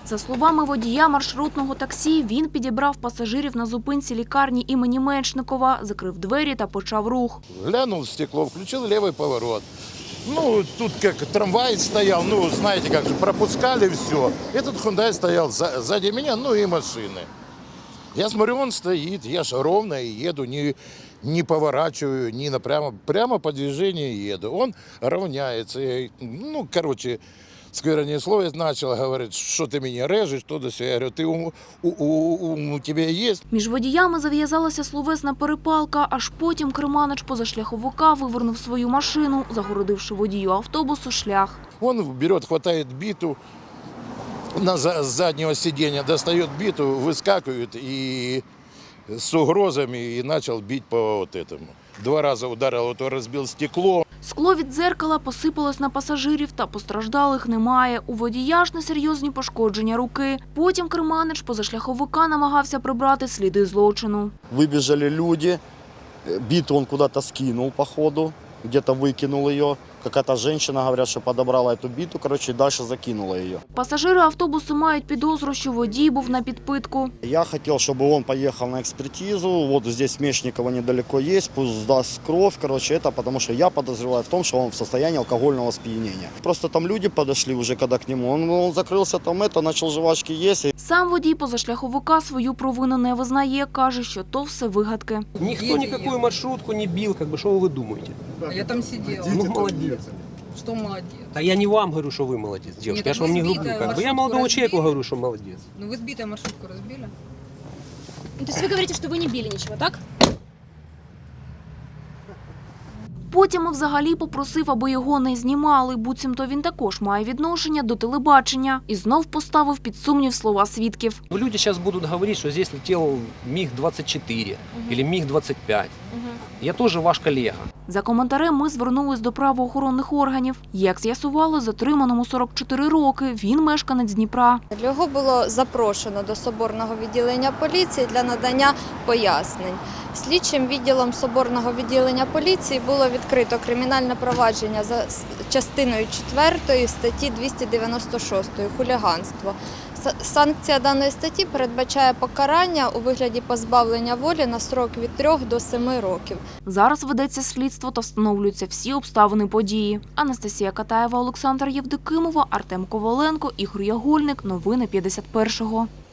За словами водія маршрутного таксі, він підібрав пасажирів на зупинці лікарні імені Меншникова, закрив двері та почав рух. Глянул в стекло, включил левый поворот. Ну, тут как трамвай стоял, ну, знаете, как же, пропускали все. Этот Hyundai стоял сзади меня, ну и машины. Я смотрю, он стоит, я ж ровно еду, не поворачиваю, не напрямо, прямо по движению еду. Он равняется, ну, короче, скверное слово начал говорить, что ты меня режешь, что до сего. Я говорю, ты ум у тебя есть? Між водіями зав'язалася словесна перепалка, аж потім керманич позашляховика вивернув свою машину, загородивши водію автобусу шлях. Он берет, хватает биту, с заднего сиденья достает биту, выскакивает и с угрозами и начал бить по вот этому. 2 раза ударил, вот разбил стекло. Скло від дзеркала посипалось на пасажирів, та постраждалих немає. У водія ж несерйозні пошкодження руки. Потім керманич позашляховика намагався прибрати сліди злочину. Выбежали люди, биту он куда-то скинул по ходу, где-то выкинул ее. Какая-то женщина, говорят, что подобрала эту биту, короче, и дальше закинула ее. Пасажири автобусу мають підозру, що водій був на підпитку. Я хотел, чтобы он поехал на экспертизу, вот здесь Мечникова недалеко есть, пусть сдаст кровь, короче, это потому что я подозреваю в том, что он в состоянии алкогольного спьянения. Просто там люди подошли уже, когда к нему, он закрылся там, начал жвачки есть. Сам водій позашляховика свою провину не визнає, каже, що то все вигадки. Никто никакую маршрутку не бил, как бы, что вы думаете? А я там сидела. Ну, молодец. Что молодец? А я не вам говорю, что вы молодец, девушка. Нет, Я же вам не вы грублю. сбитая Как бы. Я маршрутку молодому разбили. человеку говорю, что молодец. Ну вы сбитая маршрутку разбили? Ну, то есть вы говорите, что вы не били ничего, так? Потім взагалі попросив, аби його не знімали, буцімто він також має відношення до телебачення. І знов поставив під сумнів слова свідків. Люди сейчас будут говорить, что здесь летел МиГ-24 или МиГ-25. Я тоже ваш коллега. За коментарем ми звернулись до правоохоронних органів. Як з'ясували, затриманому 44 роки, він мешканець Дніпра. Його було запрошено до Соборного відділення поліції для надання пояснень. Слідчим відділом Соборного відділення поліції було відкрито кримінальне провадження за частиною 4 статті 296 «Хуліганство». Санкція даної статті передбачає покарання у вигляді позбавлення волі на строк від 3 до 7 років. Зараз ведеться слідство та встановлюються всі обставини події. Анастасія Катаєва, Олександр Євдокимова, Артем Коваленко, Ігор Ягольник. Новини 51-го.